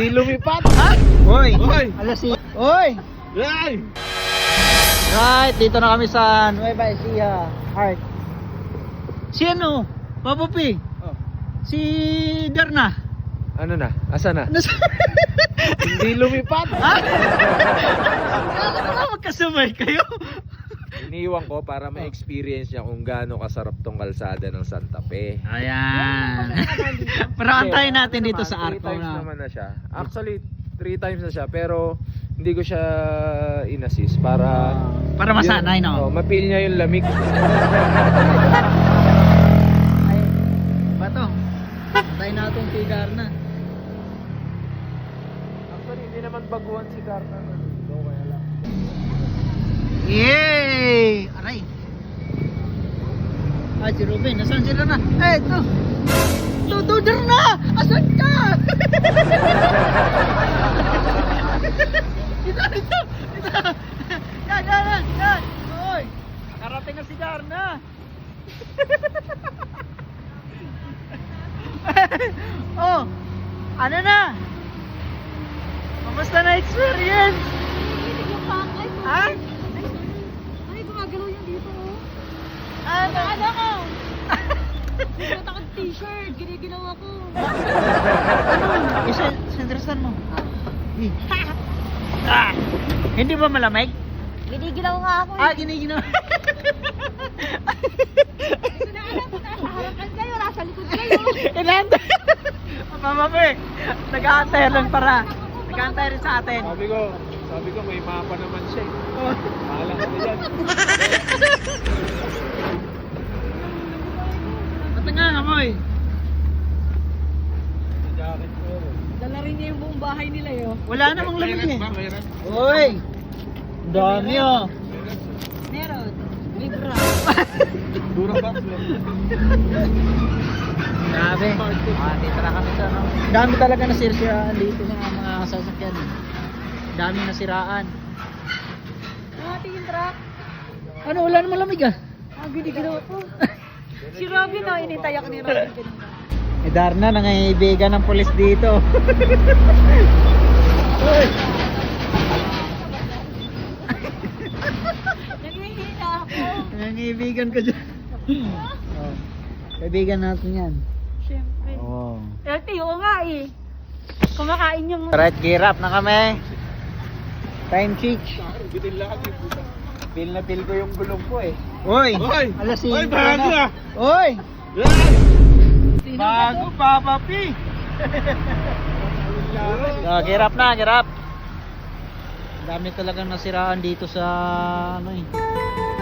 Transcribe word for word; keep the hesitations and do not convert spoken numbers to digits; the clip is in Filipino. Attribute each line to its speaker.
Speaker 1: Hindi lumipat.
Speaker 2: Ha? Hoy!
Speaker 1: Hoy!
Speaker 2: Alas si... Hoy!
Speaker 1: Ay!
Speaker 2: Right, dito na kami sa Nueva Ecija Art. Si ano? Papa P.
Speaker 1: Oh.
Speaker 2: Si Darna.
Speaker 1: Ano na? Asa na?
Speaker 2: Nas-
Speaker 1: Hindi lumipat.
Speaker 2: Ha? Ano magkasabay kayo?
Speaker 1: Iniwan ko para ma-experience niya kung gaano kasarap tong kalsada ng Santa Fe.
Speaker 2: Ayan. Pero antayin natin
Speaker 1: Ano
Speaker 2: dito
Speaker 1: naman,
Speaker 2: sa
Speaker 1: three
Speaker 2: Arco
Speaker 1: times
Speaker 2: na.
Speaker 1: naman na siya. Actually, three times na siya pero hindi ko siya in-assist para
Speaker 2: Para masanay,
Speaker 1: yun,
Speaker 2: no?
Speaker 1: oh, ma-feel niya yung lamig.
Speaker 2: Ay, bato. Antayin natin si Darna.
Speaker 1: Actually, hindi naman baguhan si Darna. So, kaya lang.
Speaker 2: Yay! Aray. Ah, si Ruben. Nasaan sila na? Eh, ito. Ito, ito, Darna! Asan ka? Ito, ito, ito. Yan, yan, yan, yan. Oy, karating na si Darna. Oh, ano na? Kamusta na experience?
Speaker 3: Yung pangay ko.
Speaker 2: Ha?
Speaker 3: Ay, gumagalaw yan dito, oh.
Speaker 2: Ano?
Speaker 3: Ano ko? Nagsuot ako ng t-shirt, giniginaw ako.
Speaker 2: Isa, sendrasan mo. Eh. Ah, hindi ba malamig?
Speaker 3: Giniginaw nga ako.
Speaker 2: Ah, giniginaw.
Speaker 3: Ito na alam ko, nasa harapan kayo, nasa likod kayo.
Speaker 2: Inanta. Mama mo eh. Nag-aantay lang para. Nag-aantay rin sa atin.
Speaker 1: Sabi ko, sabi ko may mapa naman siya. eh. Bahala ka na dyan.
Speaker 2: Ba't nga amoy?
Speaker 1: Jacket ko yun.
Speaker 3: Dala rin niya yung buong bahay nila, yo.
Speaker 2: Wala namang lamig eh.
Speaker 1: Mayroon ba? Mayroon?
Speaker 2: Uy! Dami oh.
Speaker 3: Meron. Libra.
Speaker 1: Dura ba?
Speaker 2: Grabe. Ah, dito na kami sa ano. Dami talaga nasiraan dito ng mga sasakyan. Dami nasiraan.
Speaker 3: Ah, tingin truck.
Speaker 2: Ano, wala namang lamig ah.
Speaker 3: Ah, giniginaw ako. Si Robin, oh, inintay ako ni Robin.
Speaker 2: Eh Darna, nangaibigan ng polis dito. Uy!
Speaker 3: Nangihina ako.
Speaker 2: Nangaibigan ko dyan. Oh. Kaibigan natin yan.
Speaker 3: Siyempre.
Speaker 2: Oh.
Speaker 3: L T O nga eh. Kumakain yung...
Speaker 2: Right, gear up na kami. Time check.
Speaker 1: Bitin lahat yung puta. Feel na feel ko yung gulong ko eh.
Speaker 2: Uy!
Speaker 1: Hoy!
Speaker 2: Alas
Speaker 1: Hoy,
Speaker 2: singko
Speaker 1: bago
Speaker 2: na.
Speaker 1: ah!
Speaker 2: Uy!
Speaker 1: Yan!
Speaker 2: Bago, Papa P! Oh, gear up na, gear up. Dami talagang nasiraan dito sa ano eh.